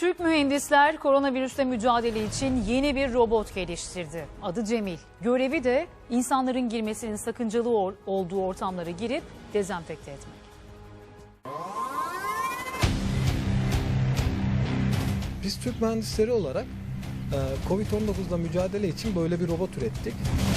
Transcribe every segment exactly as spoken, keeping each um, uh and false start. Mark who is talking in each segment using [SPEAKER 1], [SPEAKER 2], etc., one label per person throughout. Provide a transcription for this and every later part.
[SPEAKER 1] Türk mühendisler koronavirüsle mücadele için yeni bir robot geliştirdi. Adı Cemil. Görevi de insanların girmesinin sakıncalı or- olduğu ortamlara girip dezenfekte etmek.
[SPEAKER 2] Biz Türk mühendisleri olarak Covid on dokuzla mücadele için böyle bir robot ürettik.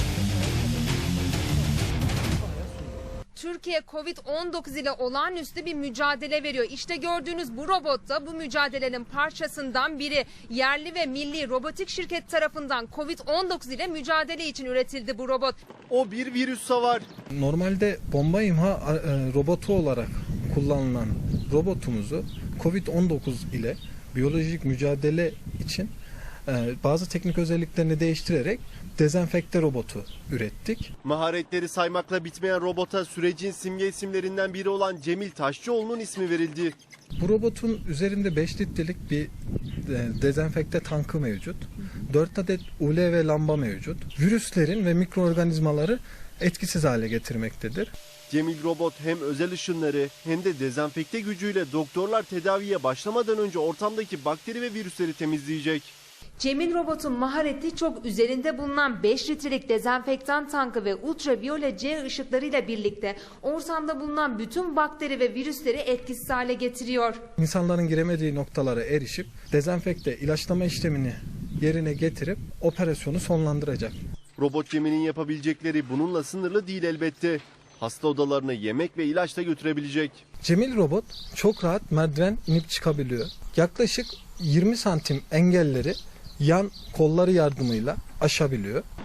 [SPEAKER 3] Türkiye Covid on dokuz ile olağanüstü bir mücadele veriyor. İşte gördüğünüz bu robot da bu mücadelenin parçasından biri. Yerli ve milli robotik şirket tarafından Covid on dokuz ile mücadele için üretildi bu robot.
[SPEAKER 4] O bir virüs savar.
[SPEAKER 2] Normalde bomba imha robotu olarak kullanılan robotumuzu Covid on dokuz ile biyolojik mücadele için bazı teknik özelliklerini değiştirerek dezenfekte robotu ürettik.
[SPEAKER 4] Maharetleri saymakla bitmeyen robota sürecin simge isimlerinden biri olan Cemil Taşçıoğlu'nun ismi verildi.
[SPEAKER 2] Bu robotun üzerinde beş litrelik bir dezenfekte tankı mevcut. dört adet U L V lamba mevcut. Virüslerin ve mikroorganizmaları etkisiz hale getirmektedir.
[SPEAKER 4] Cemil robot hem özel ışınları hem de dezenfekte gücüyle doktorlar tedaviye başlamadan önce ortamdaki bakteri ve virüsleri temizleyecek.
[SPEAKER 3] Cemil robotun mahareti çok üzerinde bulunan beş litrelik dezenfektan tankı ve ultraviyole C ışıklarıyla birlikte ortamda bulunan bütün bakteri ve virüsleri etkisiz hale getiriyor.
[SPEAKER 2] İnsanların giremediği noktalara erişip dezenfekte ilaçlama işlemini yerine getirip operasyonu sonlandıracak.
[SPEAKER 4] Robot Cemil'in yapabilecekleri bununla sınırlı değil elbette. Hasta odalarına yemek ve ilaç da götürebilecek.
[SPEAKER 2] Cemil robot çok rahat merdiven inip çıkabiliyor. Yaklaşık yirmi santim engelleri yan kolları yardımıyla aşabiliyor.